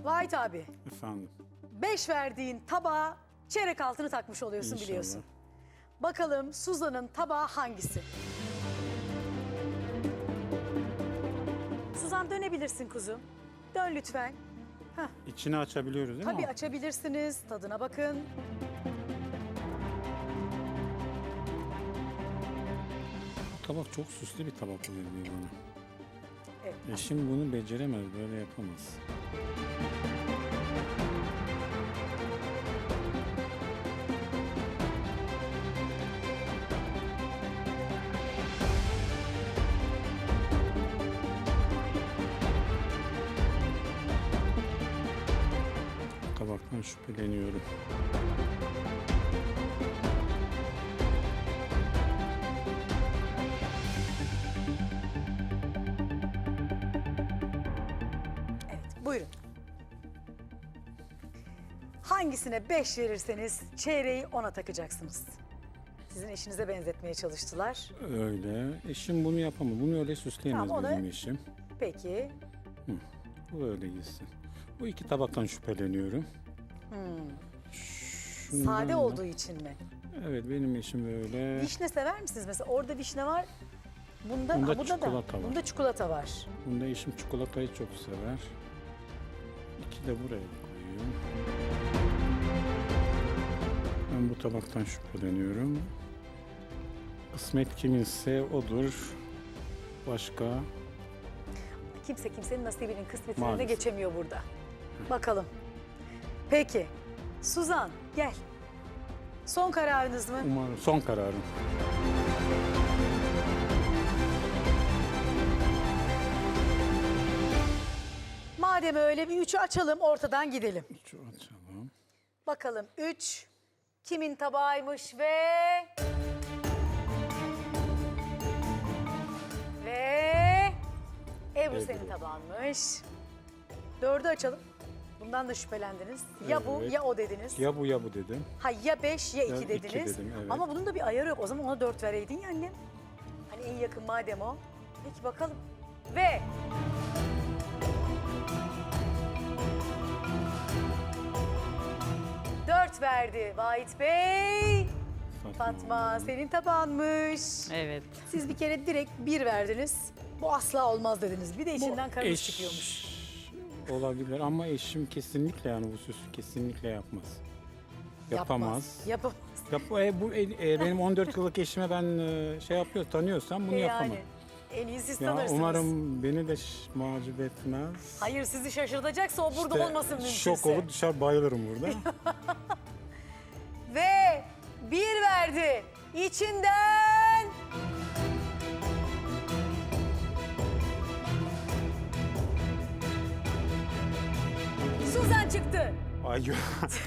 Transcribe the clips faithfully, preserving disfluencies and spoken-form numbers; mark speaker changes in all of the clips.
Speaker 1: Vahit abi,
Speaker 2: Efendim.
Speaker 1: beş verdiğin tabağa çeyrek altını takmış oluyorsun
Speaker 2: İnşallah.
Speaker 1: biliyorsun. Bakalım Suzan'ın tabağı hangisi? Suzan dönebilirsin kuzum. Dön lütfen. Heh,
Speaker 2: İçini açabiliyoruz değil
Speaker 1: tabii
Speaker 2: mi?
Speaker 1: açabilirsiniz. Tadına bakın.
Speaker 2: Bu tabak çok süslü bir tabak oluyor bana.
Speaker 1: Evet.
Speaker 2: Eşim bunu beceremez, böyle yapamaz. Tabaktan şüpheleniyorum.
Speaker 1: Evet, buyurun. Hangisine beş verirseniz çeyreği ona takacaksınız. Sizin eşinize benzetmeye çalıştılar.
Speaker 2: Öyle. Eşim bunu yapamaz. Bunu öyle süsleyemez
Speaker 1: Tamam, o da-
Speaker 2: benim eşim.
Speaker 1: Peki.
Speaker 2: Bu öyle gitsin. Bu iki tabaktan şüpheleniyorum. Şundan
Speaker 1: Sade
Speaker 2: da-
Speaker 1: olduğu için mi?
Speaker 2: Evet, benim eşim böyle.
Speaker 1: Vişne sever misiniz mesela? Orada vişne var. Bunda,
Speaker 2: Bunda
Speaker 1: ha, bunda
Speaker 2: çikolata
Speaker 1: da.
Speaker 2: var.
Speaker 1: Bunda çikolata var.
Speaker 2: Bunda eşim çikolatayı çok sever. İki de buraya koyuyorum. Ben bu tabaktan şüpheleniyorum. Kısmet kiminse odur. Başka
Speaker 1: Kimse kimsenin nasibinin kısmetinin önüne
Speaker 2: Maalesef.
Speaker 1: geçemiyor burada. Bakalım. Peki. Suzan gel. Son kararınız mı?
Speaker 2: umarım son kararım.
Speaker 1: Madem öyle bir üçü açalım ortadan gidelim.
Speaker 2: Şu açalım.
Speaker 1: Bakalım üç kimin tabağıymış ve... Ve... Ebru
Speaker 2: Ebru.
Speaker 1: senin tabağınmış. Dördü açalım. Bundan da şüphelendiniz. Ya bu
Speaker 2: Evet.
Speaker 1: ya o dediniz.
Speaker 2: Ya bu ya bu dedim.
Speaker 1: Ha ya beş ya
Speaker 2: Ya
Speaker 1: iki
Speaker 2: iki
Speaker 1: dediniz.
Speaker 2: dedim, evet.
Speaker 1: Ama bunun da bir ayarı yok. O zaman ona dört vereydin ya annem. Hani en yakın madem o. Peki bakalım. Ve... Dört verdi Vahit Bey. Fatma senin tabağınmış.
Speaker 3: Evet.
Speaker 1: Siz bir kere direkt bir verdiniz. Bu asla olmaz dediniz. Bir de içinden karış
Speaker 2: Eş
Speaker 1: çıkıyormuş.
Speaker 2: olabilir ama eşim kesinlikle, yani bu süsü kesinlikle yapmaz. Yapamaz.
Speaker 1: Yapamaz.
Speaker 2: Yap, e, bu e, e, benim on dört yıllık eşime ben e, şey yapıyor, tanıyorsam bunu yapamam.
Speaker 1: Yani en iyi siz
Speaker 2: Ya
Speaker 1: tanırsınız.
Speaker 2: umarım beni de ş- macip etmez.
Speaker 1: Hayır sizi şaşırtacaksa o burada
Speaker 2: İşte
Speaker 1: olmasın mümkünse.
Speaker 2: Şok olur, dışarı bayılırım burada.
Speaker 1: Ve bir verdi. İçinden... Suzan çıktı.
Speaker 2: Ay, yo-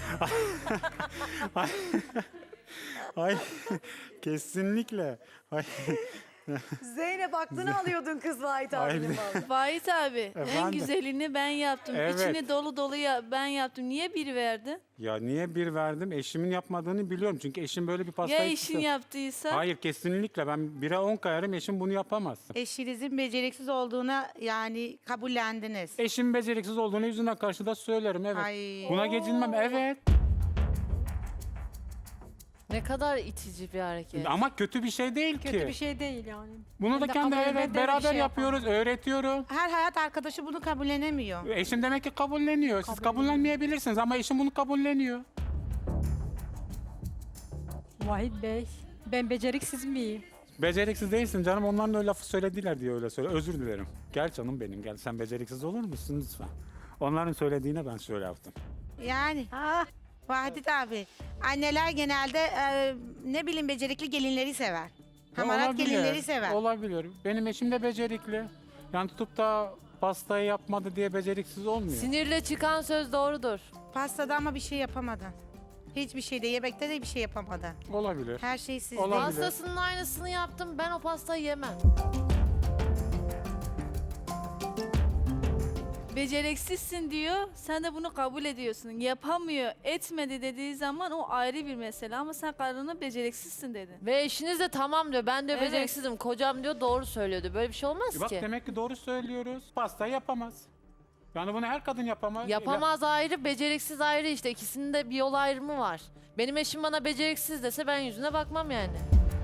Speaker 2: ay, ay, kesinlikle. Ay,
Speaker 1: Zeynep aklını alıyordun kız Vahit abinin
Speaker 2: Ay,
Speaker 1: vallahi.
Speaker 3: Vahit abi en
Speaker 2: Efendim?
Speaker 3: güzelini ben yaptım.
Speaker 2: Evet.
Speaker 3: İçini dolu dolu ya, ben yaptım. Niye bir verdin?
Speaker 2: ya niye bir verdim? Eşimin yapmadığını biliyorum. Çünkü eşim böyle bir
Speaker 3: Ya
Speaker 2: pastayı...
Speaker 3: işin yaptıysa?
Speaker 2: Hayır, kesinlikle. Ben bire on kayarım, eşim bunu yapamaz.
Speaker 4: Eşinizin beceriksiz olduğuna yani kabullendiniz.
Speaker 2: Eşim beceriksiz olduğunu yüzünden karşıda söylerim, evet.
Speaker 4: Ay.
Speaker 2: Buna gecinmem, evet.
Speaker 5: Ne kadar itici bir hareket.
Speaker 2: Ama kötü bir şey değil ki.
Speaker 6: Kötü bir şey değil yani.
Speaker 2: Bunu
Speaker 6: Hem
Speaker 2: da
Speaker 6: de
Speaker 2: kendi
Speaker 6: kabul
Speaker 2: evet
Speaker 6: eden bir
Speaker 2: beraber
Speaker 6: şey
Speaker 2: yapıyoruz, öğretiyorum.
Speaker 4: Her hayat arkadaşı bunu kabullenemiyor.
Speaker 2: Eşim demek ki kabulleniyor. Siz kabullenmeyebilirsiniz ama eşim bunu kabulleniyor.
Speaker 6: Vahit Bey, ben beceriksiz miyim?
Speaker 2: Beceriksiz değilsin canım. Onların öyle lafı söylediler diye öyle söyle. Özür dilerim. Gel canım benim, gel. Sen beceriksiz olur musun lütfen? Onların söylediğine ben şöyle yaptım.
Speaker 4: Yani
Speaker 6: Ah,
Speaker 4: Vahit abi anneler genelde e, ne bileyim becerikli gelinleri sever. Hamarat
Speaker 2: Olabilir,
Speaker 4: gelinleri sever.
Speaker 2: Olabilir. Benim eşim de becerikli. Yani tutup da pastayı yapmadı diye beceriksiz olmuyor.
Speaker 5: Sinirle çıkan söz doğrudur.
Speaker 4: Pastada ama bir şey yapamadı. Hiçbir şeyde yemekte de bir şey yapamadı.
Speaker 2: Olabilir.
Speaker 4: Her şey sizde.
Speaker 2: Olabilir.
Speaker 5: Pastasının aynısını yaptım. Ben o pastayı yemem.
Speaker 3: Beceriksizsin diyor. Sen de bunu kabul ediyorsun. Yapamıyor, etmedi dediği zaman o ayrı bir mesele. Ama sen karına beceriksizsin dedin.
Speaker 5: Ve eşiniz de tamam diyor. Ben diyor
Speaker 3: Evet.
Speaker 5: beceriksizim. Kocam diyor doğru söylüyordu. Böyle bir şey olmaz
Speaker 2: Bak
Speaker 5: ki.
Speaker 2: demek ki doğru söylüyoruz. Pastayı yapamaz. Yani bunu her kadın yapamaz.
Speaker 5: Yapamaz ayrı, beceriksiz ayrı işte. İkisinin de bir yol ayrımı var. Benim eşim bana beceriksiz dese ben yüzüne bakmam yani.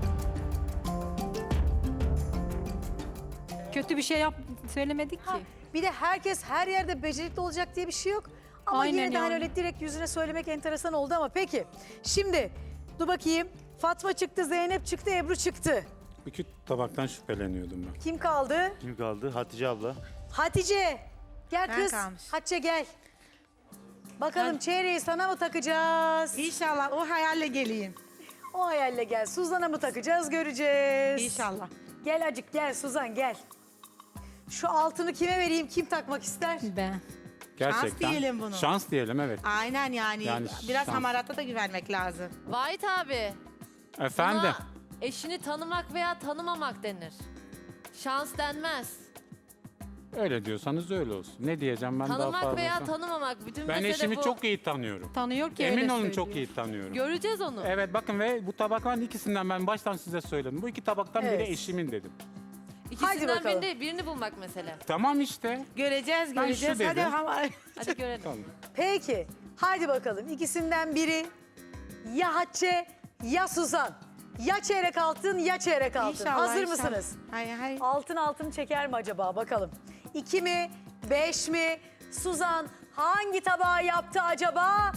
Speaker 6: Kötü bir şey yap söylemedik ki.
Speaker 1: Ha, bir de herkes her yerde becerikli olacak diye bir şey yok. Ama
Speaker 6: Aynen
Speaker 1: yine de hani
Speaker 6: yani.
Speaker 1: öyle direkt yüzüne söylemek enteresan oldu ama peki. Şimdi dur bakayım. Fatma çıktı, Zeynep çıktı, Ebru çıktı.
Speaker 2: İki tabaktan şüpheleniyordum ben.
Speaker 1: Kim kaldı?
Speaker 7: Kim kaldı? Hatice abla.
Speaker 1: Hatice. Gel
Speaker 4: Ben
Speaker 1: kız.
Speaker 4: kalmış.
Speaker 1: Hatice gel. Bakalım çeyreği sana mı takacağız?
Speaker 4: İnşallah o hayalle geleyim.
Speaker 1: O hayalle gel. Suzan'a mı takacağız göreceğiz.
Speaker 4: İnşallah.
Speaker 1: Gel acık gel Suzan gel. Şu altını kime vereyim? Kim takmak ister?
Speaker 6: Ben.
Speaker 2: Gerçekten.
Speaker 4: diyelim bunu.
Speaker 2: Şans diyelim evet.
Speaker 4: Aynen yani.
Speaker 2: Yani
Speaker 4: Biraz
Speaker 2: şans.
Speaker 4: hamarata da güvenmek lazım.
Speaker 5: Vahit abi.
Speaker 2: Efendim.
Speaker 5: Buna eşini tanımak veya tanımamak denir. Şans denmez.
Speaker 2: Öyle diyorsanız öyle olsun. Ne diyeceğim ben daha
Speaker 5: Tanımak
Speaker 2: fazla.
Speaker 5: veya tanımamak. Bütün
Speaker 2: Ben
Speaker 5: mesele
Speaker 2: eşimi
Speaker 5: bu.
Speaker 2: çok iyi tanıyorum.
Speaker 6: Tanıyor ki
Speaker 2: Emin
Speaker 6: öyle
Speaker 2: olun
Speaker 6: söylüyor.
Speaker 2: çok iyi tanıyorum.
Speaker 5: Göreceğiz onu.
Speaker 2: Evet bakın ve bu tabakların ikisinden ben baştan size söyledim. Bu iki tabaktan
Speaker 1: Evet.
Speaker 2: biri eşimin dedim.
Speaker 1: Hadi
Speaker 5: İkisinden
Speaker 1: bakalım.
Speaker 5: birini, birini bulmak mesele.
Speaker 2: Tamam işte.
Speaker 4: Göreceğiz,
Speaker 2: Ben
Speaker 4: göreceğiz.
Speaker 2: şu
Speaker 4: Hadi
Speaker 2: dedim.
Speaker 4: hamar.
Speaker 5: Hadi görelim.
Speaker 2: Tamam.
Speaker 1: Peki. Hadi bakalım. İkisinden biri ya Hatice ya Suzan. Ya çeyrek altın ya çeyrek altın.
Speaker 4: İnşallah.
Speaker 1: Hazır
Speaker 4: inşallah.
Speaker 1: mısınız?
Speaker 4: Hayır hayır.
Speaker 1: Altın altın çeker mi acaba? Bakalım. İki mi? Beş mi? Suzan hangi tabağı yaptı acaba?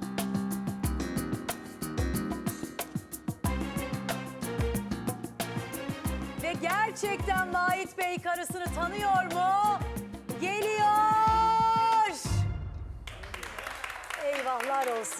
Speaker 1: Ve gerçekten Vahit Bey karısını tanıyor mu? Geliyor. Eyvahlar olsun.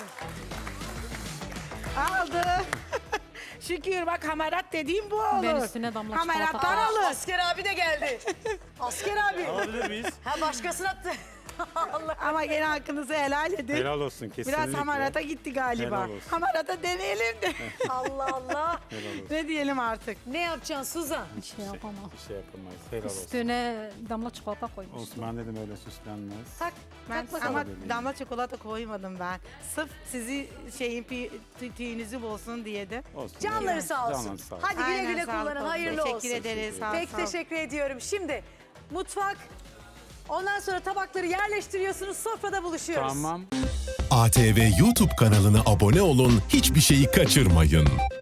Speaker 4: Aldı. Şükür bak hamarat dediğim bu olur.
Speaker 6: Ben üstüne damla çikolata
Speaker 4: Hamarattan
Speaker 1: Aa,
Speaker 4: alır.
Speaker 1: Asker abi de geldi. Asker abi.
Speaker 7: Alabilir miyiz?
Speaker 1: Ha başkasına attı. Allah.
Speaker 4: Ama gene hakkınızı helal edin.
Speaker 2: Helal olsun kesinlikle.
Speaker 4: Biraz hamarata gitti galiba.
Speaker 2: Helal olsun.
Speaker 4: Hamarata deneyelim de.
Speaker 1: Allah Allah.
Speaker 2: Helal olsun.
Speaker 4: Ne diyelim artık?
Speaker 1: Ne yapacaksın Suzan?
Speaker 6: Bir şey yapamam.
Speaker 2: Bir şey yapamayız. Helal olsun.
Speaker 6: Üstüne damla çikolata koymuştum.
Speaker 2: Olsun ben dedim öyle süslenmez.
Speaker 1: Tak,
Speaker 4: Ben
Speaker 1: tak bakalım.
Speaker 4: ama
Speaker 2: Bakalım.
Speaker 4: damla çikolata koymadım ben. Sırf sizi şeyin pi- tü- tüyünüzü bulsun diye de.
Speaker 2: Olsun.
Speaker 1: Canları
Speaker 2: Evet.
Speaker 1: sağ olsun.
Speaker 2: Canları sağ olsun.
Speaker 1: Hadi güle
Speaker 4: Aynen,
Speaker 1: güle
Speaker 4: sağlık
Speaker 1: kullanın.
Speaker 4: olsun.
Speaker 1: Hayırlı
Speaker 4: Teşekkür
Speaker 1: olsun.
Speaker 4: ederiz. Sağ ol,
Speaker 1: Pek
Speaker 4: sağ ol.
Speaker 1: teşekkür ediyorum. Şimdi mutfak. Ondan sonra tabakları yerleştiriyorsunuz. Sofrada buluşuyoruz.
Speaker 2: Tamam.
Speaker 8: A T V YouTube kanalına abone olun, hiçbir şeyi kaçırmayın.